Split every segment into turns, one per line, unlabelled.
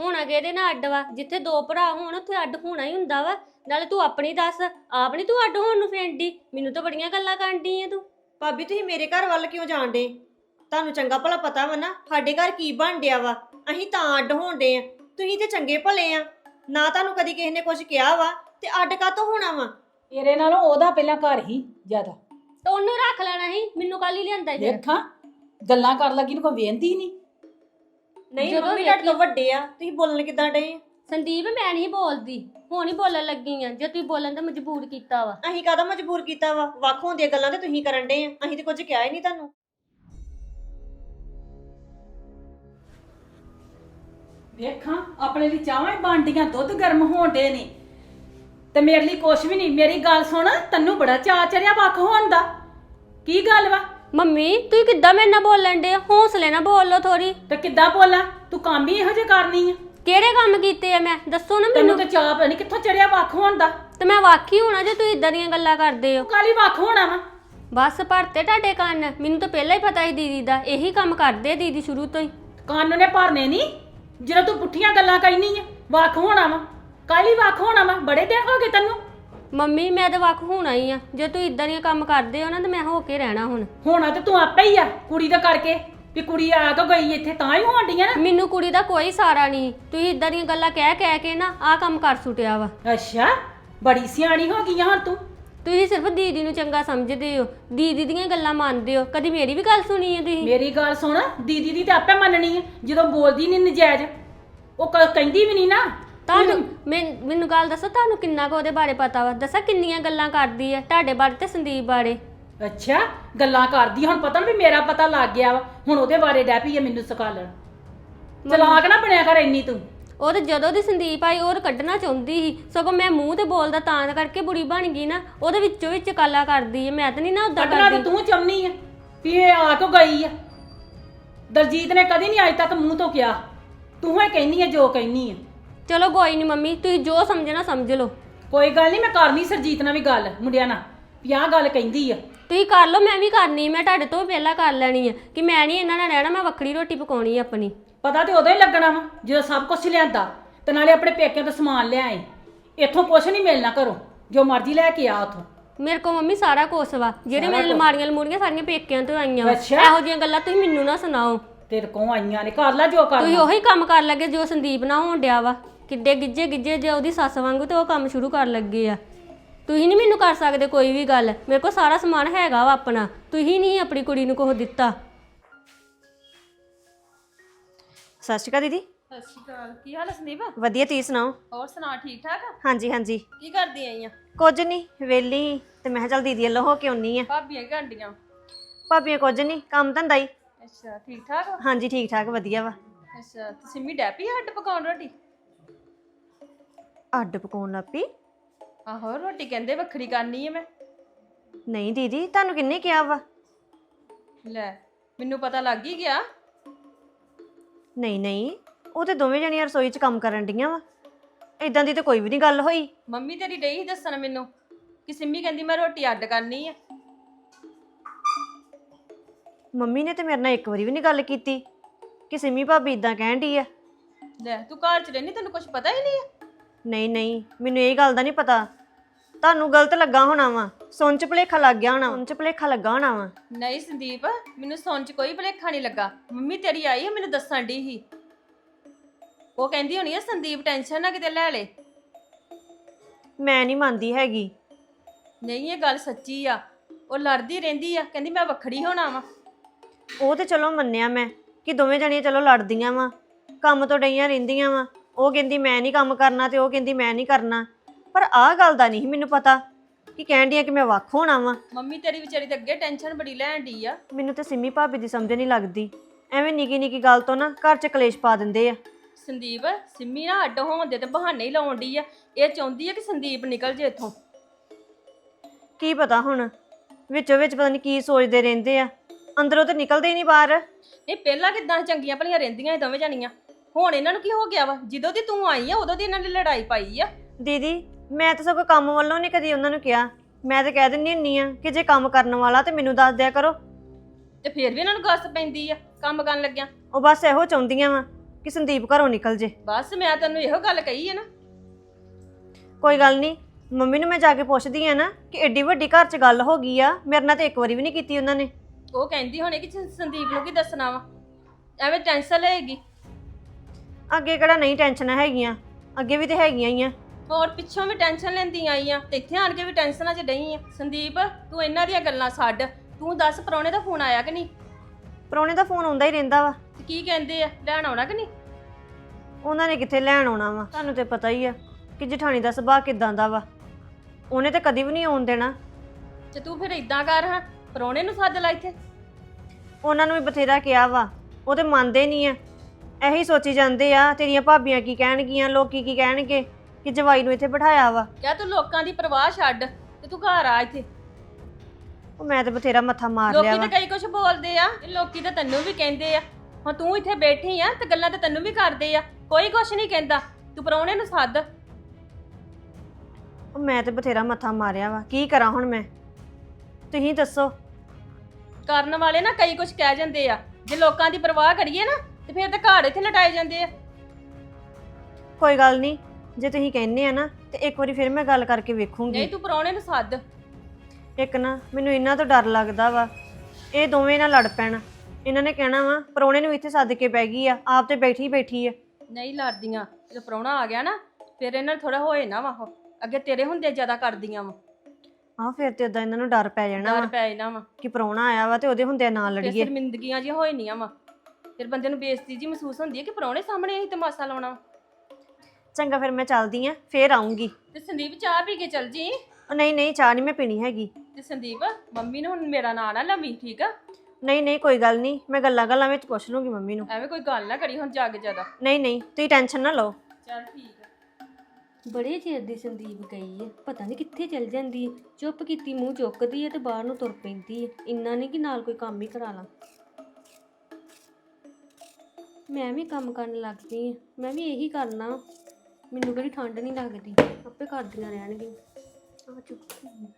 ਹੋਣਾ ਕਿਹਦੇ ਨਾਲ ਅੱਡ ਵਾ? ਜਿੱਥੇ ਦੋ ਭਰਾ ਹੋਣ ਉੱਥੇ ਅੱਡ ਹੋਣਾ ਹੀ ਹੁੰਦਾ ਵਾ। ਨਾਲੇ ਤੂੰ ਆਪਣੀ ਦੱਸ, ਆਪ ਨੀ ਤੂੰ ਅੱਡ ਹੋਣ ਨੂੰ ਫੈਂਦੀ। ਮੈਨੂੰ ਤਾਂ ਬੜੀਆਂ ਗੱਲਾਂ ਕਰਦੀ ਆ ਤੂੰ।
ਭਾਬੀ ਤੁਸੀਂ ਮੇਰੇ ਘਰ ਵੱਲ ਕਿਉਂ ਜਾਣ ਡੇ? ਤੁਹਾਨੂੰ ਚੰਗਾ ਭਲਾ ਪਤਾ ਵਾ ਨਾ ਸਾਡੇ ਘਰ ਕੀ ਬਣ ਡਿਆ ਵਾ। ਅਸੀਂ ਤਾਂ ਅੱਡ ਹੋਣ ਡੇ ਆ। ਤੁਸੀਂ ਤੇ ਚੰਗੇ ਭਲੇ ਆ, ਨਾ ਤੁਹਾਨੂੰ ਕਦੀ ਕਿਸੇ ਨੇ ਕੁਝ ਕਿਹਾ ਵਾ ਤੇ ਅੱਡ ਕਾਹਤੋਂ ਹੋਣਾ ਵਾ?
ਤੇਰੇ ਨਾਲੋਂ ਉਹਦਾ ਪਹਿਲਾਂ ਘਰ ਹੀ ਜ਼ਿਆਦਾ।
ਤਾਂ ਉਹਨੂੰ ਰੱਖ ਲੈਣਾ ਸੀ, ਮੈਨੂੰ ਕੱਲ ਹੀ ਲਿਆਂਦਾ ਇੱਥੇ।
ਦੇਖਾਂ ਗੱਲਾਂ ਕਰ ਲੱਗੀ ਨੂੰ ਕੋਈ ਵੇਂਦੀ ਨਹੀਂ।
ਨਹੀਂ ਮੰਮੀ ਤੁਹਾਡੇ ਤੋਂ ਵੱਡੇ ਆ, ਤੁਸੀਂ ਬੋਲਣ ਕਿੱਦਾਂ ਡੇ?
ਸੰਦੀਪ ਮੈਂ ਨਹੀਂ ਬੋਲਦੀ, ਹੁਣ ਹੀ ਬੋਲਣ ਲੱਗੀ ਆ। ਜੇ ਤੁਸੀਂ ਬੋਲਣ ਤਾਂ ਮਜਬੂਰ ਕੀਤਾ ਵਾ।
ਅਸੀਂ ਕਾਹਦਾ ਮਜਬੂਰ ਕੀਤਾ ਵਾ? ਵੱਖ ਹੋਣ ਦੀਆਂ ਗੱਲਾਂ ਤੇ ਤੁਸੀਂ ਕਰਨ ਡੇ ਆ, ਅਸੀਂ ਤੇ ਕੁਝ ਕਿਹਾ ਹੀ ਨਹੀਂ ਤੁਹਾਨੂੰ।
ਵੇਖਾਂ ਆਪਣੇ ਲਈ ਚਾਹਾਂ ਬਾਂਡੀਆਂ ਦੁੱਧ ਗਰਮ ਹੋਣ ਡੇ ਨੇ ਤੇ ਮੇਰੇ ਲਈ ਕੁਛ ਵੀ ਨਹੀਂ। ਮੇਰੀ ਗੱਲ ਸੁਣ, ਤੈਨੂੰ ਬੜਾ ਚਾਅ ਚੜਿਆ ਵੱਖ ਹੋਣ ਦਾ, ਕੀ ਗੱਲ ਵਾ?
ਮੰਮੀ ਤੁਸੀਂ ਕਿੱਦਾਂ ਮੇਰੇ ਨਾਲ ਬੋਲਣ ਡੇ? ਹੌਸਲੇ ਨਾਲ ਬੋਲ ਲੋ ਥੋੜੀ।
ਤੇ ਕਿੱਦਾਂ ਬੋਲਾਂ? ਤੂੰ ਕੰਮ ਹੀ ਇਹੋ ਜਿਹੇ ਕਰਨੀ ਆ।
ਕਿਹੜੇ ਕੰਮ ਕੀਤੇ ਆ ਮੈਂ? ਦੱਸੋ ਨਾ
ਤੈਨੂੰ
ਮੈਨੂੰ।
ਤੇ ਚਾਅ ਪਤਾ ਨਹੀਂ ਕਿੱਥੋਂ ਚੜਿਆ ਵੱਖ ਹੋਣ ਦਾ।
ਤੇ ਮੈਂ ਵਾਕੀ ਹੋਣਾ ਜੇ ਤੁਸੀਂ ਇਦਾਂ ਦੀਆਂ ਗੱਲਾਂ ਕਰਦੇ ਹੋ।
ਤੂੰ ਕਾਲੀ ਵੱਖ ਹੋਣਾ ਵਾ?
ਬਸ ਭਰਤੇ ਤੁਹਾਡੇ ਕੰਨ। ਮੈਨੂੰ ਤਾਂ ਪਹਿਲਾਂ ਹੀ ਪਤਾ ਸੀ ਦੀਦੀ ਦਾ ਇਹੀ ਕੰਮ ਕਰਦੇ ਦੀਦੀ ਸ਼ੁਰੂ ਤੋਂ ਹੀ।
ਕੰਨ ਨੇ ਭਰਨੇ ਨਹੀਂ ਜਦੋਂ ਤੂੰ ਪੁੱਠੀਆਂ ਗੱਲਾਂ ਕਹਿਨੀ ਆ। ਵੱਖ ਹੋਣਾ ਵਾ, ਕਾਲੀ ਵੱਖ ਹੋਣਾ ਵਾ? ਬੜੇ ਦਿਨ ਹੋ ਗਏ ਤੈਨੂੰ।
ਮੰਮੀ ਮੈਂ ਤਾਂ ਵੱਖ ਹੋਣਾ ਹੀ ਆ। ਜੇ ਤੁਸੀਂ ਇਦਾਂ ਦੀਆਂ ਕੰਮ ਕਰਦੇ ਹੋ ਨਾ ਤਾਂ ਮੈਂ ਹੋ ਕੇ ਰਹਿਣਾ ਹੁਣ।
ਹੋਣਾ ਤੇ ਤੂੰ ਆਪੇ ਹੀ ਆ, ਕੁੜੀ ਦਾ ਕਰਕੇ ਵੀ ਕੁੜੀ ਆ ਕੇ ਗਈ ਇੱਥੇ ਤਾਂ ਹੀ ਹੋਣ ਡੀਆਂ ਨਾ।
ਮੈਨੂੰ ਕੁੜੀ ਦਾ ਕੋਈ ਸਾਰਾ ਨਹੀਂ। ਤੁਸੀਂ ਇਦਾਂ ਦੀਆਂ ਗੱਲਾਂ ਕਹਿ ਕੇ ਨਾ ਆਹ ਕੰਮ ਕਰ ਸੁਟਿਆ ਵਾ।
ਅੱਛਾ ਬੜੀ ਸਿਆਣੀ ਹੋ ਗਈ ਹੁਣ ਤੂੰ।
ਤੁਸੀਂ ਸਿਰਫ ਦੀਦੀ ਨੂੰ ਚੰਗਾ ਸਮਝਦੇ ਹੋ, ਦੀਦੀ ਦੀਆਂ ਗੱਲਾਂ ਮੰਨਦੇ ਹੋ। ਕਦੀ ਮੇਰੀ ਵੀ ਗੱਲ ਸੁਣੀ ਹੈ ਤੁਸੀਂ?
ਮੇਰੀ ਗੱਲ ਸੁਣ, ਦੀਦੀ ਦੀ ਤੇ ਆਪੇ ਮੰਨਣੀ ਹੈ ਜਦੋਂ ਬੋਲਦੀ ਨਹੀਂ ਨਜਾਇਜ਼। ਉਹ ਕਹਿੰਦੀ ਵੀ ਨਹੀਂ ਨਾ।
ਤੁਹਾਨੂੰ ਮੈਨੂੰ ਗੱਲ ਦੱਸੋ, ਤੁਹਾਨੂੰ ਕਿੰਨਾ ਕੁ ਉਹਦੇ ਬਾਰੇ ਪਤਾ ਵਾ? ਦੱਸਾਂ ਕਿੰਨੀਆਂ ਗੱਲਾਂ ਕਰਦੀ ਆ ਤੁਹਾਡੇ ਬਾਰੇ ਤੇ ਸੰਦੀਪ ਬਾਰੇ।
ਅੱਛਾ ਗੱਲਾਂ ਕਰਦੀ, ਹੁਣ ਪਤਾ ਵੀ ਮੇਰਾ ਪਤਾ ਲੱਗ ਗਿਆ ਵਾ। ਹੁਣ ਉਹਦੇ ਬਾਰੇ ਡੈ ਪਈ ਆ ਮੈਨੂੰ ਸਿਖਾਲਣ। ਚਲਾਕ ਨਾ ਬਣਿਆ ਕਰ ਇੰਨੀ ਤੂੰ।
ਉਹ ਤੇ ਜਦੋਂ ਦੀ ਸੰਦੀਪ ਆਈ ਉਹ ਕੱਢਣਾ ਚਾਹੁੰਦੀ ਸੀ, ਸਗੋਂ ਮੈਂ ਮੂੰਹ ਤੇ ਬੋਲਦਾ ਤਾਂ ਕਰਕੇ ਬੁਰੀ ਬਣ ਗਈ ਨਾ। ਉਹਦੇ ਵਿੱਚੋਂ ਵਿੱਚ ਕਾਲਾ ਕਰਦੀ ਹੈ। ਮੈਂ ਤਾਂ ਨਹੀਂ ਨਾ ਉਦਾਂ
ਕੱਢਣਾ
ਕਰਦੀ।
ਤੇ ਤੂੰ ਚਾਹੁੰਦੀ ਆ ਵੀ ਇਹ ਆ ਕੇ ਗਈ ਆ। ਦਲਜੀਤ ਨੇ ਕਦੀ ਨਹੀਂ ਅੱਜ ਤੱਕ ਮੂੰਹ ਤੋਂ ਕਿਹਾ, ਤੂੰ ਹੀ ਕਹਿਨੀ ਆ ਜੋ ਕਹਿਨੀ ਆ।
ਚਲੋ ਕੋਈ ਨਹੀਂ ਮੰਮੀ, ਤੁਸੀਂ ਜੋ ਸਮਝਣਾ ਸਮਝ ਲਓ।
ਕੋਈ ਗੱਲ ਨਹੀਂ, ਮੈਂ ਕਰਨੀ ਸਰਜੀਤ ਨਾਲ ਵੀ ਗੱਲ, ਮੁੰਡਿਆਂ ਨਾਲ ਵੀ ਆਹ ਗੱਲ ਕਹਿੰਦੀ ਆ।
ਤੁਸੀਂ ਕਰ ਲਓ, ਮੈਂ ਵੀ ਕਰਨੀ। ਮੈਂ ਤੁਹਾਡੇ ਤੋਂ ਪਹਿਲਾਂ ਕਰ ਲੈਣੀ ਆ ਕਿ ਮੈਂ ਨਹੀਂ ਇਹਨਾਂ ਨਾਲ ਰਹਿਣਾ, ਮੈਂ ਵੱਖਰੀ ਰੋਟੀ ਪਕਾਉਣੀ ਆਪਣੀ।
ਪਤਾ ਤੇ ਉਦੋਂ ਹੀ ਲੱਗਣਾ ਵਾ ਜਦੋਂ ਸਭ ਕੁਝ ਲਿਆਂਦਾ ਤੇ ਨਾਲੇ ਆਪਣੇ ਪੇਕਿਆਂ ਤੋਂ ਸਮਾਨ ਲਿਆਏ। ਇੱਥੋਂ ਕੁਝ ਨਹੀਂ ਮਿਲਣਾ ਘਰੋਂ, ਜੋ ਮਰਜ਼ੀ ਲੈ ਕੇ ਆ ਉੱਥੋਂ।
ਮੇਰੇ ਕੋਲ ਮੰਮੀ ਸਾਰਾ ਕੁਛ ਵਾ। ਜਿਹੜੇ ਮੇਰੇ ਅਲਮਾਰੀਆਂ ਲਮੂਰੀਆਂ ਸਾਰੀਆਂ ਪੇਕਿਆਂ ਤੋਂ ਆਈਆਂ ਵਾ।
ਅੱਛਾ।
ਇਹੋ ਜਿਹੀਆਂ ਗੱਲਾਂ ਤੁਸੀਂ ਮੈਨੂੰ ਨਾ ਸੁਣਾਓ।
ਤੇਰੇ ਕੋਲ ਆਈਆਂ ਨੇ, ਕਰ ਲੈ ਜੋ
ਤੁਸੀਂ
ਕਰਨਾ।
ਉਹੀ ਕੰਮ ਕਰ ਲੱਗੇ ਜੋ ਸੰਦੀਪ ਨਾਲ ਹੋਣ ਡਿਆ ਵਾ। ਕਿੱਡੇ ਗਿੱਜੇ ਜੇ ਉਹਦੀ ਸੱਸ ਵਾਂਗੂ ਤੇ ਉਹ ਕੰਮ ਸ਼ੁਰੂ ਕਰ ਲੱਗੇ ਆ। ਤੁਸੀਂ ਨਹੀਂ ਮੈਨੂੰ ਕਰ ਸਕਦੇ ਕੋਈ ਵੀ ਗੱਲ। ਮੇਰੇ ਕੋਲ ਸਾਰਾ ਸਮਾਨ ਹੈਗਾ ਵਾ ਆਪਣਾ। ਤੁਸੀਂ ਨਹੀਂ ਆਪਣੀ ਕੁੜੀ ਨੂੰ ਕੁਛ ਦਿੱਤਾ।
ਸਤਿ ਸ਼੍ਰੀ ਅਕਾਲ ਦੀਦੀ।
ਸਤਿ ਸ਼੍ਰੀ ਅਕਾਲ। ਕੀ ਹਾਲ ਹੈ ਸੰਦੀਪ?
ਵਧੀਆ, ਤੁਸੀਂ ਸੁਣਾਓ?
ਹੋਰ ਸੁਣਾ, ਠੀਕ ਠਾਕ?
ਹਾਂਜੀ ਹਾਂਜੀ।
ਕੀ ਕਰਦੀ ਆਈ ਆ?
ਕੁਝ ਨਹੀਂ, ਵਿਹਲੀ ਤੇ ਮੈਂ ਕਿਹਾ ਚੱਲ ਦੀਦੀ ਵੱਲੋਂ ਹੋ ਕੇ ਆਉਣੀ ਆ।
ਭਾਬੀਆਂ ਘੰਟੀਆਂ?
ਭਾਬੀਆਂ ਕੁਝ ਨਹੀਂ, ਕੰਮ ਧੰਦਾ ਹੀ।
ਅੱਛਾ ਠੀਕ ਠਾਕ?
ਹਾਂਜੀ ਠੀਕ ਠਾਕ ਵਧੀਆ ਵਾ।
ਅੱਛਾ ਤੇ ਸਿੰਮੀ ਡੈਪੀ ਹੱਡ ਪਕਾਉਣ ਰੋਟੀ?
ਅੱਡ ਪਕਾਉਣ ਲੱਗ ਪਈ?
ਆਹੋ ਰੋਟੀ ਕਹਿੰਦੇ ਵੱਖਰੀ ਕਰਨੀ ਹੈ ਮੈਂ।
ਨਹੀਂ ਦੀਦੀ, ਤੁਹਾਨੂੰ ਕਿੰਨੇ ਕਿਹਾ ਵਾ?
ਲੈ ਮੈਨੂੰ ਪਤਾ ਲੱਗ ਹੀ ਗਿਆ।
ਨਹੀਂ ਨਹੀਂ, ਉਹ ਤੇ ਦੋਵੇਂ ਜਣੀਆਂ ਰਸੋਈ 'ਚ ਕੰਮ ਕਰਨ ਡੀਆਂ ਵਾ। ਇਦਾਂ ਦੀ ਤਾਂ ਕੋਈ ਵੀ ਨਹੀਂ ਗੱਲ ਹੋਈ।
ਮੰਮੀ ਤੇਰੀ ਡਈ ਸੀ ਦੱਸਣ ਮੈਨੂੰ ਕਿ ਸਿੰਮੀ ਕਹਿੰਦੀ ਮੈਂ ਰੋਟੀ ਅੱਡ ਕਰਨੀ ਆ।
ਮੰਮੀ ਨੇ ਤੇ ਮੇਰੇ ਨਾਲ ਇੱਕ ਵਾਰੀ ਵੀ ਨਹੀਂ ਗੱਲ ਕੀਤੀ ਕਿ ਸਿੰਮੀ ਭਾਬੀ ਇਦਾਂ ਕਹਿਣ ਡਈ ਆ।
ਲੈ ਤੂੰ ਘਰ ਚ ਰਹਿਨੀ, ਤੈਨੂੰ ਕੁਝ ਪਤਾ ਹੀ ਨਹੀਂ ਆ?
ਨਹੀਂ ਨਹੀਂ, ਮੈਨੂੰ ਇਹ ਗੱਲ ਦਾ ਨਹੀਂ ਪਤਾ। ਤੁਹਾਨੂੰ ਗਲਤ ਲੱਗਾ ਹੋਣਾ ਵਾ, ਸੁਣ 'ਚ ਭੁਲੇਖਾ ਲੱਗ ਗਿਆ ਹੋਣਾ, ਸੁਣ 'ਚ ਭੁਲੇਖਾ ਲੱਗਾ ਹੋਣਾ ਵਾ।
ਨਹੀਂ ਸੰਦੀਪ, ਮੈਨੂੰ ਸੁਣ ਚ ਕੋਈ ਭੁਲੇਖਾ ਨਹੀਂ ਲੱਗਾ। ਮੰਮੀ ਤੇਰੀ ਆਈ ਹੈ ਮੈਨੂੰ ਦੱਸਣ ਡਈ ਸੀ। ਉਹ ਕਹਿੰਦੀ ਹੋਣੀ ਆ ਸੰਦੀਪ ਟੈਨਸ਼ਨ ਨਾ ਕਿਤੇ ਲੈ ਲੇ।
ਮੈਂ ਨਹੀਂ ਮੰਨਦੀ ਹੈਗੀ।
ਨਹੀਂ ਇਹ ਗੱਲ ਸੱਚੀ ਆ। ਉਹ ਲੜਦੀ ਰਹਿੰਦੀ ਆ, ਕਹਿੰਦੀ ਮੈਂ ਵੱਖਰੀ ਹੋਣਾ ਵਾ।
ਉਹ ਤੇ ਚਲੋ ਮੰਨਿਆ ਮੈਂ ਕਿ ਦੋਵੇਂ ਜਣੀਆਂ ਚਲੋ ਲੜਦੀਆਂ ਵਾ, ਕੰਮ ਤੋਂ ਡਈਆਂ ਰਹਿੰਦੀਆਂ ਵਾ। ਉਹ ਕਹਿੰਦੀ ਮੈਂ ਨਹੀਂ ਕੰਮ ਕਰਨਾ ਤੇ ਉਹ ਕਹਿੰਦੀ ਮੈਂ ਨਹੀਂ ਕਰਨਾ। ਪਰ ਆਹ ਗੱਲ ਦਾ ਨਹੀਂ ਮੈਨੂੰ ਪਤਾ ਕਿ ਕਹਿਣ ਡੀਆਂ ਕਿ ਮੈਂ ਵੱਖ ਹੋਣਾ ਵਾ।
ਮੰਮੀ ਤੇਰੀ ਵਿਚਾਰੀ ਤੇ ਅੱਗੇ ਟੈਨਸ਼ਨ ਬੜੀ ਲੈਣ ਡਈ ਆ।
ਮੈਨੂੰ ਤੇ ਸਿੰਮੀ ਭਾਬੀ ਦੀ ਸਮਝ ਨਹੀਂ ਲੱਗਦੀ। ਐਵੇਂ ਨਿੱਕੀ ਨਿੱਕੀ ਗੱਲ ਤੋਂ ਨਾ ਘਰ 'ਚ ਕਲੇਸ਼ ਪਾ ਦਿੰਦੇ ਆ।
ਸੰਦੀਪ ਸਿੰਮੀ ਨਾ ਅੱਡ ਹੋਣ ਦੇ ਤੇ ਬਹਾਨੇ ਹੀ ਲਾਉਣ ਡਈ ਆ। ਇਹ ਚਾਹੁੰਦੀ ਆ ਕਿ ਸੰਦੀਪ ਨਿਕਲ ਜੇ ਇੱਥੋਂ।
ਕੀ ਪਤਾ ਹੁਣ ਵਿੱਚੋਂ ਵਿੱਚ ਪਤਾ ਨਹੀਂ ਕੀ ਸੋਚਦੇ ਰਹਿੰਦੇ ਆ। ਅੰਦਰੋਂ ਤਾਂ ਨਿਕਲਦੇ ਹੀ ਨਹੀਂ ਬਾਹਰ।
ਇਹ ਪਹਿਲਾਂ ਕਿਦਾਂ ਚੰਗੀਆਂ ਭਲੀਆਂ ਰਹਿੰਦੀਆਂ ਇਹ ਦੋਵੇਂ ਜਾਣੀਆਂ। ਹੁਣ ਇਹਨਾਂ ਨੂੰ ਕੀ ਹੋ ਗਿਆ ਵਾ? ਜਦੋਂ ਦੀ ਤੂੰ ਆਈ ਆ ਉਦੋਂ ਦੀ ਇਹਨਾਂ ਨੇ ਲੜਾਈ ਪਾਈ ਆ।
ਦੀਦੀ ਮੈਂ ਤਾਂ ਸਗੋਂ ਕੰਮ ਵੱਲੋਂ ਨਹੀਂ ਕਦੀ ਉਹਨਾਂ ਨੂੰ ਕਿਹਾ। ਮੈਂ ਤਾਂ ਕਹਿ ਦਿੰਦੀ ਹੁੰਦੀ ਆ ਕਿ ਜੇ ਕੰਮ ਕਰਨ ਵਾਲਾ ਤੇ ਮੈਨੂੰ ਦੱਸ ਦਿਆ ਕਰੋ।
ਤੇ ਫੇਰ ਵੀ ਇਹਨਾਂ ਨੂੰ ਗੱਸ ਪੈਂਦੀ ਆ ਕੰਮ ਕਰਨ ਲੱਗਿਆ।
ਉਹ ਬਸ ਇਹੋ ਚਾਹੁੰਦੀਆਂ ਵਾ ਕਿ ਸੰਦੀਪ ਘਰੋਂ ਨਿਕਲ ਜੇ।
ਬਸ ਮੈਂ ਤੈਨੂੰ ਇਹੋ ਗੱਲ ਕਹੀ ਹੈ ਨਾ।
ਕੋਈ ਗੱਲ ਨਹੀਂ, ਮੰਮੀ ਨੂੰ ਮੈਂ ਜਾ ਕੇ ਪੁੱਛਦੀ ਆ ਨਾ ਕਿ ਐਡੀ ਵੱਡੀ ਘਰ 'ਚ ਗੱਲ ਹੋ ਗਈ ਆ, ਮੇਰੇ ਨਾਲ ਤੇ ਇੱਕ ਵਾਰੀ ਵੀ ਨਹੀਂ ਕੀਤੀ ਉਹਨਾਂ ਨੇ।
ਉਹ ਕਹਿੰਦੀ ਹੋਣੀ ਕਿ ਸੰਦੀਪ ਨੂੰ ਕੀ ਦੱਸਣਾ ਵਾ, ਐਵੇਂ ਟੈਨਸ਼ਨ ਲਏਗੀ।
ਅੱਗੇ ਕਿਹੜਾ ਨਹੀਂ ਟੈਨਸ਼ਨਾਂ ਹੈਗੀਆਂ, ਅੱਗੇ ਵੀ ਤੇ ਹੈਗੀਆਂ ਹੀ ਆ।
ਹੋਰ ਪਿੱਛੋਂ ਵੀ ਟੈਨਸ਼ਨ ਲੈਂਦੀ ਆਈ ਆ ਤੇ ਇੱਥੇ ਆਣ ਕੇ ਵੀ ਟੈਨਸ਼ਨਾਂ 'ਚ ਡਈ ਆ। ਸੰਦੀਪ ਤੂੰ ਇਹਨਾਂ ਦੀਆਂ ਗੱਲਾਂ ਛੱਡ, ਤੂੰ ਦੱਸ ਪ੍ਰਾਹੁਣੇ ਦਾ ਫੋਨ ਆਇਆ ਕਿ ਨਹੀਂ?
ਪ੍ਰਾਹੁਣੇ ਦਾ ਫੋਨ ਆਉਂਦਾ ਹੀ ਰਹਿੰਦਾ ਵਾ।
ਤੇ ਕੀ ਕਹਿੰਦੇ ਆ, ਲੈਣ ਆਉਣਾ ਕਿ ਨਹੀਂ?
ਉਹਨਾਂ ਨੇ ਕਿੱਥੇ ਲੈਣ ਆਉਣਾ ਵਾ, ਤੁਹਾਨੂੰ ਤੇ ਪਤਾ ਹੀ ਆ ਕਿ ਜਠਾਣੀ ਦਾ ਸੁਭਾਅ ਕਿਦਾਂ ਦਾ ਵਾ। ਉਹਨੇ ਤੇ ਕਦੀ ਵੀ ਨਹੀਂ ਆਉਣ ਦੇਣਾ।
ਤੇ ਤੂੰ ਫਿਰ ਇਦਾਂ ਕਰ, ਹਾਂ ਪ੍ਰਾਹੁਣੇ ਨੂੰ ਸੱਦ ਲੈ ਇੱਥੇ।
ਉਹਨਾਂ ਨੂੰ ਵੀ ਬਥੇਰਾ ਕਿਹਾ ਵਾ, ਉਹ ਤੇ ਮੰਨਦੇ ਨਹੀਂ ਆ। ਇਹੀ ਸੋਚੀ ਜਾਂਦੇ ਆ ਤੇਰੀਆਂ ਭਾਬੀਆਂ ਕੀ ਕਹਿਣਗੀਆਂ, ਲੋਕੀ ਕੀ ਕਹਿਣਗੇ ਕਿ ਜਵਾਈ ਨੂੰ ਇੱਥੇ ਬਿਠਾਇਆ ਵਾ।
ਕਿਆ ਤੂੰ ਲੋਕਾਂ ਦੀ ਪਰਵਾਹ ਛੱਡ ਤੇ ਤੂੰ ਘਰ ਆ ਇੱਥੇ।
ਉਹ ਮੈਂ ਤੇ ਬਥੇਰਾ ਮੱਥਾ ਮਾਰ ਲਿਆ
ਲੋਕੀ
ਵਾ।
ਤਾਂ ਕਈ ਕੁਝ ਬੋਲਦੇ ਆ, ਇਹ ਲੋਕੀ ਤਾਂ ਤੈਨੂੰ ਵੀ ਕਹਿੰਦੇ ਆ। ਹੁਣ ਤੂੰ ਇੱਥੇ ਬੈਠੀ ਆ ਤੇ ਗੱਲਾਂ ਤਾਂ ਤੈਨੂੰ ਵੀ ਕਰਦੇ ਆ, ਕੋਈ ਕੁਝ ਨਹੀਂ ਕਹਿੰਦਾ। ਤੂੰ ਪ੍ਰਾਹੁਣੇ ਨੂੰ ਸੱਦ।
ਉਹ ਮੈਂ ਤੇ ਬਥੇਰਾ ਮੱਥਾ ਮਾਰਿਆ ਵਾ, ਕੀ ਕਰਾਂ ਹੁਣ ਮੈਂ, ਤੁਸੀਂ ਦੱਸੋ।
ਕਰਨ ਵਾਲੇ ਨਾ ਕਈ ਕੁਝ ਕਹਿ ਜਾਂਦੇ ਆ, ਜੇ ਲੋਕਾਂ ਦੀ ਪਰਵਾਹ ਕਰੀਏ ਨਾ ਤੇ ਫਿਰ ਤਾਂ ਘਰ ਇੱਥੇ ਲਟਾਏ ਜਾਂਦੇ ਆ।
ਕੋਈ ਗੱਲ ਨਹੀਂ, ਜੇ ਤੁਸੀਂ ਕਹਿੰਦੇ ਆ ਨਾ ਤੇ ਇੱਕ ਵਾਰੀ ਫਿਰ ਮੈਂ ਗੱਲ ਕਰਕੇ ਵੇਖੂੰਗੀ।
ਨਹੀਂ ਤੂੰ ਪ੍ਰਾਹੁਣੇ ਨੂੰ ਸੱਦ।
ਇੱਕ ਨਾ ਮੈਨੂੰ ਇਹਨਾਂ ਤੋਂ ਡਰ ਲੱਗਦਾ ਵਾ, ਇਹ ਦੋਵੇਂ ਨਾ ਲੜ ਪੈਣ। ਇਹਨਾਂ ਨੇ ਕਹਿਣਾ ਵਾ ਪ੍ਰਾਹੁਣੇ ਨੂੰ ਇੱਥੇ ਸੱਦ ਕੇ ਪੈ ਗਈ ਆ, ਆਪ ਤੇ ਬੈਠੀ ਆ।
ਨਹੀਂ ਲੜਦੀਆਂ, ਜਦੋਂ ਪ੍ਰਾਹੁਣਾ ਆ ਗਿਆ ਨਾ ਫਿਰ ਇਹਨਾਂ ਨੂੰ ਥੋੜਾ ਹੋਏ ਨਾ ਵਾ, ਅੱਗੇ ਤੇਰੇ ਹੁੰਦੇ ਜ਼ਿਆਦਾ ਕਰਦੀਆਂ ਵਾ।
ਆਹ ਫਿਰ ਤੇ ਓਦਾਂ ਇਹਨਾਂ ਨੂੰ ਡਰ ਪੈ ਜਾਣਾ
ਡਰ
ਵਾ
ਪੈ ਜਾਣਾ ਵਾ,
ਕਿ ਪ੍ਰਾਹੁਣਾ ਆਇਆ ਵਾ ਤੇ ਉਹਦੇ ਹੁੰਦਿਆਂ ਨਾ
ਫਿਰ
ਲੜੀਏ।
ਸ਼ਰਮਿੰਦਗੀਆਂ ਜਿਹੀਆਂ ਹੋਏ ਨਹੀਂ ਵਾ, ਫਿਰ ਬੰਦੇ ਨੂੰ ਬੇਇੱਜ਼ਤੀ ਜੀ ਮਹਿਸੂਸ ਹੁੰਦੀ ਹੈ ਕਿ ਪ੍ਰਾਹੁਣੇ ਸਾਹਮਣੇ ਅਸੀਂ ਤਮਾਸ਼ਾ ਲਾਉਣਾ ਵਾ।
ਚੰਗਾ ਫਿਰ ਮੈਂ ਚੱਲਦੀ ਆ, ਫੇਰ ਆਉਂਗੀ।
ਤੇ ਸੰਦੀਪ ਚਾਹ ਪੀ ਕੇ ਚੱਲ ਜੀ।
ਨਹੀਂ ਚਾਹ ਨਹੀਂ ਮੈਂ ਪੀਣੀ ਹੈਗੀ।
ਤੇ ਸੰਦੀਪ ਮੰਮੀ ਨੂੰ ਹੁਣ ਮੇਰਾ ਨਾਂ ਨਾ ਲਵੀਂ, ਠੀਕ ਆ?
ਨਹੀਂ ਕੋਈ ਗੱਲ ਨਹੀਂ, ਮੈਂ ਗੱਲਾਂ ਵਿੱਚ ਪੁੱਛ ਲੂੰਗੀ ਮੰਮੀ ਨੂੰ।
ਐਵੇਂ ਕੋਈ ਗੱਲ ਨਾ ਕਰੀ ਹੁਣ ਜਾ ਕੇ ਜ਼ਿਆਦਾ।
ਨਹੀਂ ਤੁਸੀਂ ਟੈਨਸ਼ਨ ਨਾ ਲਓ।
ਚੱਲ ਠੀਕ ਆ।
ਬੜੇ ਚਿਰ ਦੀ ਸੰਦੀਪ ਗਈ ਹੈ, ਪਤਾ ਨਹੀਂ ਕਿੱਥੇ ਚਲ ਜਾਂਦੀ ਹੈ। ਚੁੱਪ ਕੀਤੀ ਮੂੰਹ ਚੁੱਕਦੀ ਹੈ ਤੇ ਬਾਹਰ ਨੂੰ ਤੁਰ ਪੈਂਦੀ ਹੈ। ਇੰਨਾ ਨਹੀਂ ਕਿ ਨਾਲ ਕੋਈ ਕੰਮ ਹੀ ਕਰਾ ਲਾਂ। ਮੈਂ ਵੀ ਕੰਮ ਕਰਨ ਲੱਗਦੀ ਹਾਂ, ਮੈਂ ਵੀ ਇਹੀ ਕਰਨਾ। ਮੈਨੂੰ ਕਿਹੜੀ ਠੰਡ ਨਹੀਂ ਲੱਗਦੀ, ਆਪੇ ਕਰਦੀਆਂ ਰਹਿਣਗੀਆਂ। ਆ ਚੁੱਪ।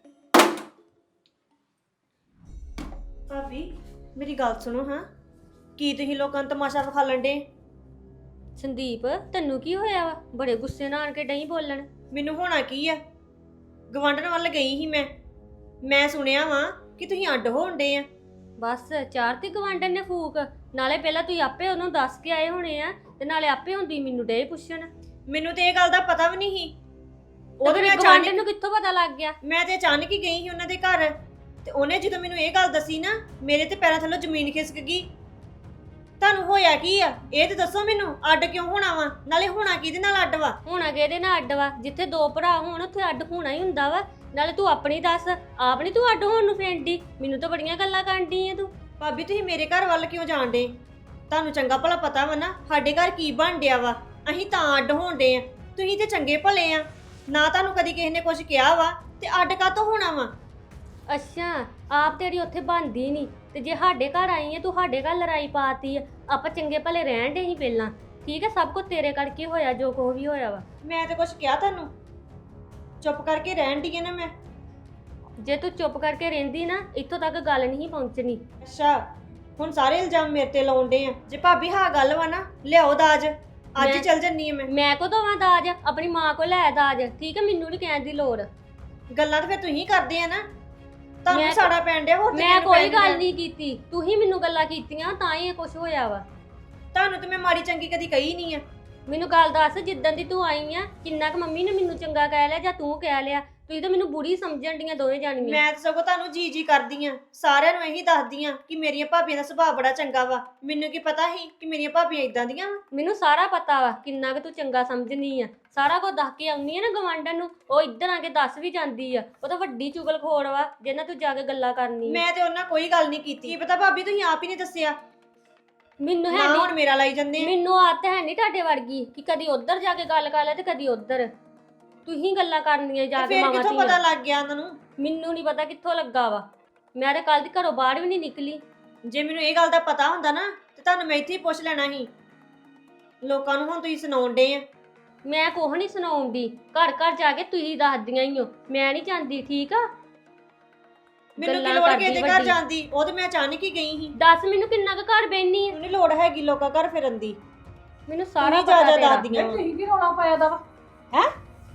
ਭਾਬੀ ਮੇਰੀ ਗੱਲ ਸੁਣੋ ਹਾਂ, ਕੀ ਤੁਸੀਂ ਲੋਕਾਂ ਨੂੰ ਤਮਾਸ਼ਾ ਵਿਖਾਲਣ ਡੇ?
ਸੰਦੀਪ ਤੈਨੂੰ ਕੀ ਹੋਇਆ ਵਾ? ਬੜੇ ਗੁੱਸੇ ਨਾਲ ਆਣ ਕੇ ਡਈ ਬੋਲਣ।
ਮੈਨੂੰ ਹੋਣਾ ਕੀ ਆ, ਗਵਾਂਢਣ ਵੱਲ ਗਈ ਸੀ ਮੈਂ ਸੁਣਿਆ ਵਾ ਕਿ ਤੁਸੀਂ ਅੱਡ ਹੋਣ ਡੇ ਆ।
ਬਸ ਚਾਰ ਤੇ ਗਵਾਂਢਣ ਨੇ ਫੂਕ, ਨਾਲੇ ਪਹਿਲਾਂ ਤੁਸੀਂ ਆਪੇ ਉਹਨੂੰ ਦੱਸ ਕੇ ਆਏ ਹੋਣੇ ਆ ਤੇ ਨਾਲੇ ਆਪੇ ਹੁੰਦੀ ਮੈਨੂੰ ਡੇ ਪੁੱਛਣ।
ਮੈਨੂੰ ਤੇ ਇਹ ਗੱਲ ਦਾ ਪਤਾ ਵੀ ਨਹੀਂ ਸੀ।
ਉਹਦੇ
ਮੈਂ
ਗਵਾਂਢਣ ਨੂੰ ਕਿੱਥੋਂ ਪਤਾ ਲੱਗ ਗਿਆ?
ਮੈਂ ਤੇ ਅਚਾਨਕ ਹੀ ਗਈ ਸੀ ਉਹਨਾਂ ਦੇ ਘਰ, ਤੇ ਉਹਨੇ ਜਦੋਂ ਮੈਨੂੰ ਇਹ ਗੱਲ ਦੱਸੀ ਨਾ ਮੇਰੇ ਤੇ ਪੈਰਾਂ ਥੱਲੋਂ ਜ਼ਮੀਨ ਖਿਸਕ ਗਈ। ਤੁਹਾਨੂੰ ਹੋਇਆ ਕੀ ਆ ਇਹ ਤੇ ਦੱਸੋ ਮੈਨੂੰ, ਅੱਡ ਕਿਉਂ ਹੋਣਾ ਵਾ? ਨਾਲੇ ਹੋਣਾ ਕਿਹਦੇ ਨਾਲ ਅੱਡ ਵਾ?
ਹੋਣਾ ਕਿਹਦੇ ਨਾਲ ਅੱਡ ਵਾ? ਜਿੱਥੇ ਦੋ ਭਰਾ ਹੋਣ ਉੱਥੇ ਅੱਡ ਹੋਣਾ ਹੀ ਹੁੰਦਾ ਵਾ। ਨਾਲੇ ਤੂੰ ਆਪਣੀ ਦੱਸ, ਆਪ ਨੀ ਤੂੰ ਅੱਡ ਹੋਣ ਨੂੰ ਫੈਂਦੀ। ਮੈਨੂੰ ਤਾਂ ਬੜੀਆਂ ਗੱਲਾਂ ਕਰਦੀ ਏ ਤੂੰ।
ਭਾਬੀ ਤੁਸੀਂ ਮੇਰੇ ਘਰ ਵੱਲ ਕਿਉਂ ਜਾਣ ਡੇ? ਤੁਹਾਨੂੰ ਚੰਗਾ ਭਲਾ ਪਤਾ ਵਾ ਨਾ ਸਾਡੇ ਘਰ ਕੀ ਬਣ ਡਿਆ ਵਾ, ਅਸੀਂ ਤਾਂ ਅੱਡ ਹੋਣ ਡੇ ਆ। ਤੁਸੀਂ ਤੇ ਚੰਗੇ ਭਲੇ ਆ, ਨਾ ਤੁਹਾਨੂੰ ਕਦੀ ਕਿਸੇ ਨੇ ਕੁਝ ਕਿਹਾ ਵਾ ਤੇ ਅੱਡ ਕਾਹਤੋਂ ਹੋਣਾ ਵਾ?
ਅੱਛਾ ਆਪ ਤੇਰੀ ਉੱਥੇ ਬਣਦੀ ਨਹੀਂ ਤੇ ਜੇ ਸਾਡੇ ਘਰ ਆਈ ਏ ਤੂੰ ਸਾਡੇ ਘਰ ਲੜਾਈ ਪਾਤੀ ਆ। ਆਪਾਂ ਚੰਗੇ ਭਲੇ ਰਹਿਣ ਡੇ ਸੀ ਪਹਿਲਾਂ, ਠੀਕ ਹੈ? ਸਭ ਕੁਝ ਤੇਰੇ ਕਰਕੇ ਹੋਇਆ ਜੋ ਕੁਝ ਵੀ ਹੋਇਆ ਵਾ।
ਮੈਂ ਤੇ ਕੁਝ ਕਿਹਾ ਤੁਹਾਨੂੰ? ਚੁੱਪ ਕਰਕੇ ਰਹਿਣ ਦੀ ਨਾ ਮੈਂ।
ਜੇ ਤੂੰ ਚੁੱਪ ਕਰਕੇ ਰਹਿੰਦੀ ਨਾ ਇੱਥੋਂ ਤੱਕ ਗੱਲ ਨਹੀਂ ਪਹੁੰਚਣੀ।
ਅੱਛਾ ਹੁਣ ਸਾਰੇ ਇਲਜ਼ਾਮ ਮੇਰੇ ਤੇ ਲਾਉਂਦੇ ਆ। ਜੇ ਭਾਬੀ ਹਾਂ ਗੱਲ ਵਾ ਨਾ, ਲਿਆਓ ਦਾਜ, ਅੱਜ ਹੀ ਚੱਲ ਜੰਨੀ ਆ
ਮੈਂ ਕੋ ਦਵਾਂ ਦਾਜ? ਆਪਣੀ ਮਾਂ ਕੋ ਲੈ ਦਾਜ, ਠੀਕ ਹੈ? ਮੈਨੂੰ ਨਹੀਂ ਕਹਿਣ ਦੀ ਲੋੜ।
ਗੱਲਾਂ ਤਾਂ ਫਿਰ ਤੁਸੀਂ ਕਰਦੇ ਆ ਨਾ, ਤੁਹਾਨੂੰ ਸਾੜਾ ਪੈਣ ਡਿਆ। ਹੋਰ
ਮੈਂ ਕੋਈ ਗੱਲ ਨਹੀਂ ਕੀਤੀ, ਤੂੰ ਹੀ ਮੈਨੂੰ ਗੱਲਾਂ ਕੀਤੀਆਂ ਤਾਂ ਹੀ ਇਹ ਕੁਝ ਹੋਇਆ ਵਾ।
ਤੁਹਾਨੂੰ ਤੇ ਮੈਂ ਮਾੜੀ ਚੰਗੀ ਕਦੀ ਕਹੀ ਨਹੀਂ ਆ।
ਮੈਨੂੰ ਗੱਲ ਦੱਸ, ਜਿੱਦਣ ਦੀ ਤੂੰ ਆਈ ਆ ਕਿੰਨਾ ਕੁ ਮੰਮੀ ਨੇ ਮੈਨੂੰ ਚੰਗਾ ਕਹਿ ਲਿਆ ਜਾਂ ਤੂੰ ਕਹਿ ਲਿਆ? ਤੁਸੀਂ ਤਾਂ ਮੈਨੂੰ ਬੁਰੀ ਸਮਝਣ ਡੀਆਂ ਦੋਵੇਂ ਜਾਣੀਆਂ।
ਮੈਂ ਤਾਂ ਸਗੋਂ ਤੁਹਾਨੂੰ ਜੀ ਕਰਦੀ ਆ, ਸਾਰਿਆਂ ਨੂੰ ਇਹੀ ਦੱਸਦੀ ਆ ਕਿ ਮੇਰੀਆਂ ਭਾਬੀਆਂ ਦਾ ਸੁਭਾਅ ਬੜਾ ਚੰਗਾ ਵਾ। ਮੈਨੂੰ ਕੀ ਪਤਾ ਸੀ ਕਿ ਮੇਰੀਆਂ ਭਾਬੀਆਂ ਇਦਾਂ ਦੀਆਂ ਵਾ।
ਮੈਨੂੰ ਸਾਰਾ ਪਤਾ ਵਾ ਕਿੰਨਾ ਕੁ ਤੂੰ ਚੰਗਾ ਸਮਝਣੀ ਆ। ਸਾਰਾ ਕੁਝ ਦੱਸ ਕੇ ਆਉਣੀ ਆ ਨਾ ਗਵਾਂਢਣ ਨੂੰ, ਉਹ ਇੱਧਰ ਆ ਕੇ ਦੱਸ ਵੀ ਜਾਂਦੀ ਆ। ਉਹ ਤਾਂ ਵੱਡੀ ਚੁਗਲਖੋਰ ਵਾ ਜਿਹਨਾਂ ਤੂੰ ਜਾ ਕੇ ਗੱਲਾਂ ਕਰਨੀ।
ਮੈਂ ਤੇ ਉਹਨਾਂ ਕੋਈ ਗੱਲ ਨਹੀਂ ਕੀਤੀ। ਕੀ ਪਤਾ ਭਾਬੀ ਤੁਸੀਂ ਆਪ ਹੀ ਨਹੀਂ ਦੱਸਿਆ।
ਮੈਨੂੰ ਹੈ
ਨਾ
ਨਹੀਂ,
ਹੁਣ ਮੇਰਾ ਲਾਈ ਜਾਂਦੇ ਆ।
ਮੈਨੂੰ ਆਦਤ ਹੈ ਨਹੀਂ ਤੁਹਾਡੇ ਵਰਗੀ ਕਿ ਕਦੀ ਉੱਧਰ ਜਾ ਕੇ ਗੱਲ ਕਰ ਲੈ ਤੇ ਕਦੀ ਉੱਧਰ। ਤੁਸੀਂ ਗੱਲਾਂ ਕਰਨੀਆਂ ਜਾ ਕੇ
ਫਿਰ
ਮਾਵਾਂ
ਕਿੱਥੋਂ ਪਤਾ ਲੱਗ ਗਿਆ ਉਹਨਾਂ ਨੂੰ?
ਮੈਨੂੰ ਨਹੀਂ ਪਤਾ ਕਿੱਥੋਂ ਲੱਗਾ ਵਾ। ਮੈਂ ਤਾਂ ਕੱਲ ਦੀ ਘਰੋਂ ਬਾਹਰ ਵੀ ਨਹੀਂ ਨਿਕਲੀ।
ਜੇ ਮੈਨੂੰ ਇਹ ਗੱਲ ਦਾ ਪਤਾ ਹੁੰਦਾ ਨਾ ਤੇ ਤੁਹਾਨੂੰ ਮੈਂ ਇੱਥੇ ਹੀ ਪੁੱਛ ਲੈਣਾ ਸੀ। ਲੋਕਾਂ ਨੂੰ ਹੁਣ ਤੁਸੀਂ ਸੁਣਾਉਣ ਡੇ ਆ।
ਮੈਂ ਕੁਛ ਨਹੀਂ ਸੁਣਾਉਂਦੀ, ਘਰ ਘਰ ਜਾ ਕੇ ਤੁਸੀਂ ਦੱਸਦੀਆਂ ਹੀ ਹੋ। ਮੈਂ ਨਹੀਂ ਜਾਂਦੀ, ਠੀਕ ਆ?
ਮੈਨੂੰ ਕੀ ਲੋੜ ਕਿਸੇ ਦੇ ਘਰ ਜਾਂਦੀ? ਉਹ ਤੇ ਮੈਂ ਅਚਾਨਕ ਹੀ ਗਈ ਸੀ।
ਦੱਸ ਮੈਨੂੰ ਕਿੰਨਾ ਕੁ ਘਰ ਬੈਣੀ ਆ?
ਮੈਨੂੰ ਲੋੜ ਹੈਗੀ ਲੋਕਾਂ ਘਰ ਫਿਰਨ ਦੀ।
ਮੈਨੂੰ ਸਾਰਾ
ਤੁਸੀਂ
ਪਤਾ
ਜਾ
ਤੇਰਾ
ਦਾਦੀਆਂ
ਤੁਸੀਂ ਕੀ ਰੌਲਾ ਪਾਇਆ ਦਾ ਵਾ ਹੈ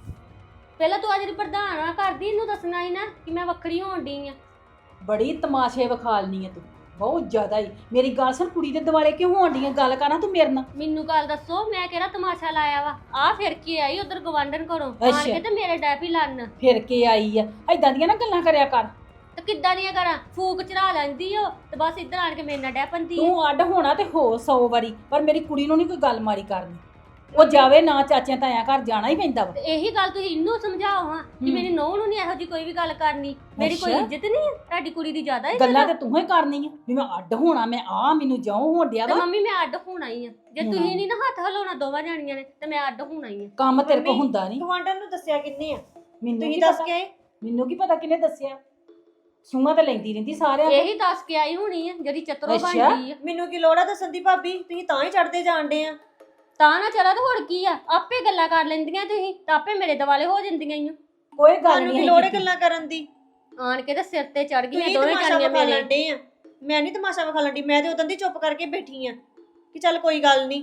ਪਹਿਲਾਂ ਤੂੰ ਅੱਜ ਦੀ ਪ੍ਰਧਾਨ ਆ ਕਰਦੀ ਇਹਨੂੰ ਦੱਸਣਾ ਸੀ ਨਾ ਕਿ ਮੈਂ ਵੱਖਰੀ ਹੋਣ ਡਈ ਆ।
ਬੜੀ ਤਮਾਸ਼ੇ ਵਿਖਾਲਨੀ ਆ ਤੂੰ ਬਹੁਤ ਜ਼ਿਆਦਾ ਹੀ। ਮੇਰੀ ਗੱਲ ਸੁਣ, ਕੁੜੀ ਦੇ ਦਿਵਾਲੇ ਕਿਉਂ ਹੋਣ ਡੀਆਂ? ਗੱਲ ਕਰਨਾ ਤੂੰ ਮੇਰੇ ਨਾਲ।
ਮੈਨੂੰ ਗੱਲ ਦੱਸੋ ਮੈਂ ਕਿਹੜਾ ਤਮਾਸ਼ਾ ਲਾਇਆ ਵਾ? ਆ ਫਿਰ ਕੇ ਆਈ ਉਧਰ ਗਵਾਂਢਣ ਘਰੋਂ ਆਣ
ਅੱਛਾ।
ਕੇ ਤੇ ਮੇਰੇ ਡੈਪੀ ਲੰਨ
ਫਿਰ ਕੇ ਆਈ ਆ? ਐਦਾਂ ਦੀਆਂ ਨਾ ਗੱਲਾਂ ਕਰਿਆ ਕਰ।
ਤੇ ਕਿੱਦਾਂ ਦੀਆਂ ਕਰਾਂ? ਫੂਕ ਚੜਾ ਲੈਂਦੀ ਓ ਤੇ ਬਸ ਇੱਧਰ ਆਣ ਕੇ ਮੇਰੇ ਨਾਲ ਡੈ ਪੰਦੀ
ਤੂੰ ਅੱਡ ਹੋਣਾ ਤੇ ਹੋ 100 ਵਾਰੀ, ਪਰ ਮੇਰੀ ਕੁੜੀ ਨੂੰ ਨਹੀਂ ਕੋਈ ਗੱਲ ਮਾਰੀ ਕਰਨੀ। ਉਹ ਜਾਵੇ ਨਾ, ਚਾਚਿਆਂ ਤਾਇਆਂ ਘਰ ਜਾਣਾ ਹੀ ਪੈਂਦਾ ਵਾ।
ਤੇ ਇਹੀ ਗੱਲ ਤੁਸੀਂ ਇਹਨੂੰ ਸਮਝਾਓ ਹਾਂ ਕਿ ਮੇਰੀ ਨੂੰਹ ਨੂੰ ਨਹੀਂ ਇਹੋ ਜੀ ਕੋਈ ਵੀ ਗੱਲ ਕਰਨੀ। ਮੇਰੀ ਕੋਈ
ਅੱਛਾ।
ਇੱਜ਼ਤ ਨਹੀਂ ਹੈ, ਤੁਹਾਡੀ ਕੁੜੀ ਦੀ ਜ਼ਿਆਦਾ ਇੱਜ਼ਤ
ਗੱਲਾਂ
ਆ।
ਤੇ ਤੂੰ ਹੀ ਕਰਨੀਆਂ ਵੀ ਮੈਂ ਅੱਡ ਹੋਣਾ, ਮੈਂ ਮੈਨੂੰ ਜਿਉਂ ਹੋਣ ਡਿਆ
ਤੇ
ਵਾ।
ਮੰਮੀ ਮੈਂ ਅੱਡ ਹੋਣਾ ਹੀ ਆ। ਜੇ
ਹੋਣਾ।
ਤੁਸੀਂ ਨਹੀਂ ਨਾ ਹੱਥ ਹਿਲਾਉਣਾ ਦੋਵਾਂ ਜਾਣੀਆਂ ਨੇ ਤੇ ਮੈਂ ਅੱਡ ਹੋਣਾ ਹੀ ਆ।
ਕੰਮ ਤੇਰੇ ਕੋਲ
ਮੰਮੀ,
ਹੁੰਦਾ ਨਹੀਂ।
ਗਵਾਂਢਣ ਨੂੰ ਦੱਸਿਆ ਕਿੰਨੇ ਆ?
ਮੈਨੂੰ
ਤੁਸੀਂ
ਕੀ
ਦੱਸ
ਪਤਾ?
ਕੇ ਆਏ?
ਮੈਨੂੰ ਕੀ ਪਤਾ ਕਿਹਨੇ ਦੱਸਿਆ? ਸੂਹਾਂ ਤੇ ਲੈਂਦੀ ਰਹਿੰਦੀ ਸਾਰਿਆਂ ਕੋਲ।
ਇਹੀ ਦੱਸ ਕੇ ਆਈ ਹੋਣੀ ਆ ਜਿਹੜੀ ਚਤਰੋ
ਅੱਛਾ।
ਬਣਦੀ ਆ।
ਮੈਨੂੰ ਕੀ ਲੋੜ ਆ ਦੱਸਣ ਦੀ ਭਾਬੀ? ਤੁਸੀਂ ਤਾਂ ਹੀ ਚੜਦੇ ਜਾਣਦੇ ਆ।
ਤਾਂ ਨਾ ਚਲਾ ਤੇ ਹੋਰ ਕੀ ਆ, ਆਪੇ ਗੱਲਾਂ ਕਰ ਲੈਂਦੀਆਂ ਤੁਸੀਂ ਤਾਂ ਆਪੇ ਮੇਰੇ ਦਿਵਾਲੇ ਹੋ ਜਾਂਦੀਆਂ ਈ ਓ।
ਕੋਈ ਗੱਲ
ਤੁਹਾਨੂੰ ਕੀ
ਨਹੀਂ
ਲੋੜ ਹੈ ਗੱਲਾਂ ਕਰਨ ਦੀ?
ਆਣ ਕੇ ਤੇ ਸਿਰ ਤੇ ਚੜ ਗਈਆਂ
ਤੁਸੀਂ
ਦੋਵੇਂ
ਤਮਾਸ਼ਾ
ਜਾਣੀਆਂ
ਵਿਖਾ
ਮੇਰੇ।
ਲੈਂਦੇ ਆ। ਮੈਂ ਨਹੀਂ ਤਮਾਸ਼ਾ ਵਿਖਾ ਲੈਂਦੀ, ਮੈਂ ਤੇ ਉਦੋਂ ਦੀ ਚੁੱਪ ਕਰਕੇ ਬੈਠੀ ਆ ਕਿ ਚੱਲ ਕੋਈ ਗੱਲ ਨਹੀਂ।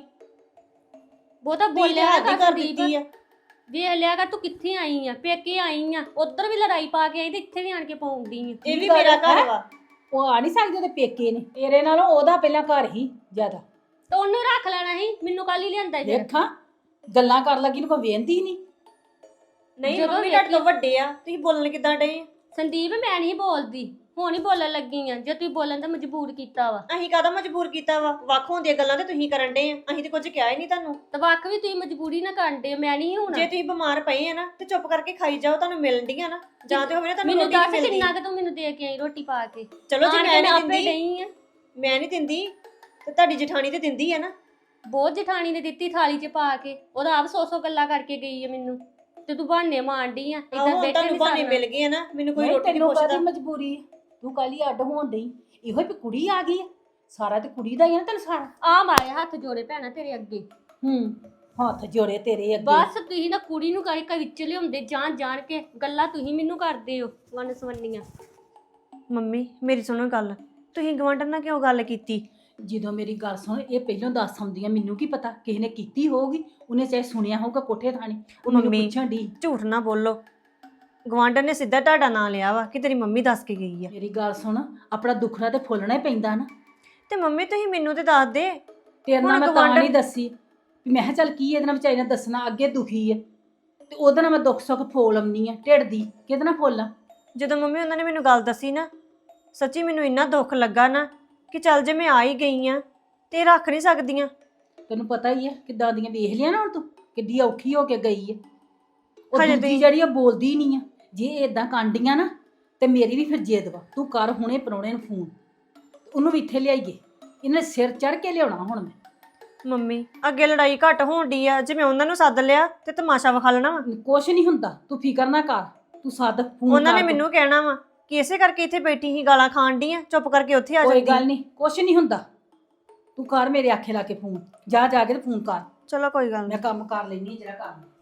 ਬਹੁਤਾ
ਬੋਲਿਆ
ਬੋਲਿਆ
ਹੱਦ
ਕਰ
ਕਰ
ਸੰਦੀਪ।
ਦਿੱਤੀ ਆ।
ਵੇਖ ਲਿਆ ਕਰ ਤੂੰ ਕਿੱਥੇ ਆਈ ਆ, ਪੇਕੇ ਆਈ ਆ, ਉਧਰ ਵੀ ਲੜਾਈ ਪਾ ਕੇ ਆਈ ਤੇ ਇੱਥੇ ਵੀ ਆਣ ਕੇ ਪਾਉਂਦੀ ਆ।
ਇਹ ਵੀ
ਗੱਲ
ਮੇਰਾ ਘਰ
ਹੈ।
ਵਾ।
ਉਹ ਆ ਨਹੀਂ ਸਕਦੇ, ਉਹਦੇ ਪੇਕੇ ਨੇ। ਤੇਰੇ ਨਾਲੋਂ ਉਹਦਾ ਪਹਿਲਾਂ ਘਰ ਹੀ ਜ਼ਿਆਦਾ।
ਤੇ ਉਹਨੂੰ ਰੱਖ ਲੈਣਾ ਸੀ, ਮੈਨੂੰ ਕੱਲ ਹੀ ਲਿਆਂਦਾ ਫਿਰ।
ਦੇਖਾਂ ਗੱਲਾਂ ਕਰ ਲੱਗੀ ਨੂੰ ਕੋਈ ਵੇਂਦੀ ਨਹੀਂ।
ਨਹੀਂ
ਜਦੋਂ
ਮੰਮੀ ਤੁਹਾਡੇ ਤੋਂ ਵੱਡੇ ਆ, ਤੁਸੀਂ ਬੋਲਣ ਕਿੱਦਾਂ ਡਏ ਆ?
ਸੰਦੀਪ ਮੈਂ ਨਹੀਂ ਬੋਲਦੀ, ਹੁਣ ਹੀ ਬੋਲਣ ਲੱਗੀ ਆ। ਜੇ ਤੁਸੀਂ ਬੋਲਣ ਤਾਂ ਮਜਬੂਰ ਕੀਤਾ ਵਾ
ਅਸੀਂ ਕਾਹਦਾ ਮਜਬੂਰ ਕੀਤਾ ਵਾ? ਵੱਖ ਹੁੰਦੀਆਂ ਗੱਲਾਂ ਤੇ ਤੁਸੀਂ ਕਰਨ ਡਏ ਆ, ਅਸੀਂ ਤੇ ਕੁਝ ਕਿਹਾ ਹੀ ਨਹੀਂ ਤੁਹਾਨੂੰ।
ਤੇ ਵੱਖ ਵੀ ਤੁਸੀਂ ਮਜਬੂਰੀ ਨਾ ਕਰਦੇ, ਮੈਂ ਨਹੀਂ ਹੁਣ।
ਜੇ ਤੁਸੀਂ ਬਿਮਾਰ ਪਏ ਆ ਨਾ ਤੇ ਚੁੱਪ ਕਰਕੇ ਖਾਈ ਜਾਓ, ਤੁਹਾਨੂੰ ਮਿਲਣ ਡੀਆਂ ਨਾ। ਜਾਂ ਤੇ ਹੋਵੇ ਨਾ ਤੁਹਾਨੂੰ
ਮੈਨੂੰ
ਰੋਟੀ
ਦੱਸ
ਨਹੀਂ ਮਿਲਦੀ।
ਕਿੰਨਾ ਕਿ ਤੂੰ ਮੈਨੂੰ ਦੇ ਕੇ ਆਈ ਰੋਟੀ ਪਾ ਕੇ?
ਚਲੋ ਜੀ
ਆਣ ਕੇ
ਮੈਂ ਨਹੀਂ
ਆਪੇ
ਦਿੰਦੀ,
ਡਈ ਆ।
ਮੈਂ ਨਹੀਂ ਦਿੰਦੀ ਤੇ ਤੁਹਾਡੀ ਜਠਾਣੀ ਤੇ ਦਿੰਦੀ ਆ ਨਾ।
ਬਹੁਤ ਜਠਾਣੀ ਨੇ ਦਿੱਤੀ ਥਾਲੀ 'ਚ ਪਾ ਕੇ, ਉਹਦਾ ਆਪ 100 ਗੱਲਾਂ ਕਰਕੇ ਗਈ ਆ ਮੈਨੂੰ, ਤੇ ਤੂੰ ਬਹਾਨੇ ਮਾਰਦੀ ਆ।
ਆਹੋ
ਇਦਾਂ
ਹੁਣ
ਬੈਠੇ
ਤੁਹਾਨੂੰ
ਨਹੀਂ
ਬਹਾਨੇ
ਸਰਨਾ।
ਮਿਲ ਗਏ ਆ ਨਾ, ਮੈਨੂੰ ਕੋਈ
ਨਹੀਂ,
ਰੋਟੀ ਨਹੀਂ
ਤੈਨੂੰ
ਪੁੱਛਦਾ।
ਕਾਹਦੀ ਮਜਬੂਰੀ ਹੈ? ਤੂੰ ਕਾਲੀ ਅੱਡ ਹੋਣ ਡਈ? ਇਹੋ ਹੀ ਵੀ ਕੁੜੀ ਆ ਗਈ ਆ, ਸਾਰਾ ਤੇ ਕੁੜੀ ਦਾ ਹੀ ਆ ਨਾ ਤੈਨੂੰ ਸਾਰਾ।
ਆ ਮਾਰੇ ਹੱਥ ਜੋੜੇ ਭੈਣਾ ਤੇਰੇ ਅੱਗੇ।
ਹੱਥ ਜੋੜੇ ਤੇਰੇ ਅੱਗੇ।
ਬਸ ਤੁਸੀਂ ਨਾ ਕੁੜੀ ਨੂੰ ਕਈ ਵਿੱਚ ਲਿਆਉਂਦੇ ਜਾਣ ਕੇ, ਗੱਲਾਂ ਤੁਸੀਂ ਮੈਨੂੰ ਕਰਦੇ ਹੋ ਵਨ ਸਵੰਨੀਆਂ।
ਮੰਮੀ ਮੇਰੀ ਸੁਣੋ ਗੱਲ, ਤੁਸੀਂ ਗਵਾਂਢਣ ਨਾਲ ਕਿਉਂ ਗੱਲ ਕੀਤੀ?
ਜਦੋਂ ਮੇਰੀ ਗੱਲ ਸੁਣ, ਇਹ ਪਹਿਲਾਂ ਦੱਸ ਆਉਂਦੀਆਂ, ਮੈਨੂੰ ਕੀ ਪਤਾ ਕਿਸੇ ਨੇ ਕੀਤੀ ਹੋਊਗੀ, ਉਹਨੇ ਚਾਹੇ ਸੁਣਿਆ ਹੋਊਗਾ ਕੋਠੇ ਥਾਣੀ, ਉਹ ਮੈਨੂੰ
ਮੰਮੀ।
ਪੁੱਛਣ ਦੀ।
ਝੂਠ ਨਾ ਬੋਲੋ, ਗਵਾਂਢਣ ਨੇ ਸਿੱਧਾ ਤੁਹਾਡਾ ਨਾਂ ਲਿਆ ਵਾ ਕਿ ਤੇਰੀ ਮੰਮੀ ਦੱਸ ਕੇ ਗਈ ਆ।
ਮੇਰੀ ਗੱਲ ਸੁਣ, ਆਪਣਾ ਦੁੱਖੜਾ ਤੇ ਫੁੱਲਣਾ ਹੀ ਪੈਂਦਾ ਨਾ।
ਤੇ ਮੰਮੀ ਤੁਸੀਂ ਮੈਨੂੰ ਤੇ ਦੱਸ ਦੇ।
ਤੇਰੇ ਨਾਲ
ਹੁਣ
ਮੈਂ ਤਾਂ
ਗਵਾਂਢਣ-
ਨਹੀਂ ਦੱਸੀ ਵੀ ਮੈਂ ਕਿਹਾ ਚੱਲ ਕੀ ਇਹਦੇ ਨਾਲ ਵਿਚਾਰੀ ਨਾਲ ਦੱਸਣਾ, ਅੱਗੇ ਦੁਖੀ ਹੈ ਤੇ ਉਹਦੇ ਨਾਲ ਮੈਂ ਦੁੱਖ ਸੁੱਖ ਫੋਲ ਆਉਣੀ ਆ ਢਿੱਡ ਦੀ, ਕਿਹਦੇ ਨਾਲ ਫੋਲਾਂ?
ਜਦੋਂ ਮੰਮੀ ਉਹਨਾਂ ਨੇ ਮੈਨੂੰ ਗੱਲ ਦੱਸੀ ਨਾ, ਸੱਚੀ ਮੈਨੂੰ ਇੰਨਾ ਦੁੱਖ ਲੱਗਾ ਨਾ ਕਿ ਚੱਲ ਜੇ ਮੈਂ ਆ ਹੀ ਗਈ ਆ ਤੇ ਰੱਖ ਨਹੀਂ ਸਕਦੀਆਂ।
ਤੈਨੂੰ ਪਤਾ ਹੀ ਹੈ ਕਿੱਦਾਂ ਦੀਆਂ ਵੇਖ ਲਿਆ ਨਾ ਹੁਣ ਤੂੰ, ਕਿੱਡੀ ਔਖੀ ਹੋ ਕੇ ਗਈ ਹੈ। ਉਹ
ਹਜੇ
ਦੂਜੀ
ਤੁਸੀਂ-
ਜਿਹੜੀ ਆ ਬੋਲਦੀ ਨਹੀਂ ਆ। ਜੇ ਇਦਾਂ ਕਾਂਡੀਆਂ ਨਾ ਤੇ ਮੇਰੀ ਵੀ ਫਿਰ ਜਿੱਦ ਵਾ, ਤੂੰ ਕਰ ਹੁਣੇ ਪ੍ਰਾਹੁਣੇ ਨੂੰ ਫੋਨ, ਉਹਨੂੰ ਵੀ ਇੱਥੇ ਲਿਆਈਏ। ਇਹਨੇ ਸਿਰ ਚੜ ਕੇ ਲਿਆਉਣਾ ਹੁਣ ਮੈਂ।
ਮੰਮੀ ਅੱਗੇ ਲੜਾਈ ਘੱਟ ਹੋਣ ਡਈ ਆ, ਜੇ ਮੈਂ ਉਹਨਾਂ ਨੂੰ ਸੱਦ ਲਿਆ ਤੇ ਤਮਾਸ਼ਾ ਵਿਖਾ ਲੈਣਾ ਵਾ।
ਕੁਛ ਨਹੀਂ ਹੁੰਦਾ, ਤੂੰ ਫਿਕਰ ਨਾ ਕਰ, ਤੂੰ ਸੱਦ ਫੋਨ
ਉਹਨਾਂ ਨੇ
ਕਰ ਤੂੰ।
ਮੈਨੂੰ ਕਹਿਣਾ ਵਾ ਕਿ ਇਸੇ ਕਰਕੇ ਇੱਥੇ ਬੈਠੀ ਹੀ ਗਾਲਾਂ ਖਾਣ ਡਈ ਆ, ਚੁੱਪ ਕਰਕੇ ਉੱਥੇ ਆ
ਕੋਈ
ਜਾਂਦੀ।
ਗੱਲ ਨਹੀਂ, ਕੁਛ ਨਹੀਂ ਹੁੰਦਾ, ਤੂੰ ਕਰ ਮੇਰੇ ਆਖੇ ਲਾ ਕੇ ਫੋਨ, ਜਾ ਕੇ ਤੇ ਫੋਨ ਕਰ।
ਚਲੋ ਕੋਈ ਗੱਲ
ਮੈਂ
ਨਹੀਂ।
ਕੰਮ ਕਰ ਲੈਣੀ ਜਿਹੜਾ ਕੰਮ।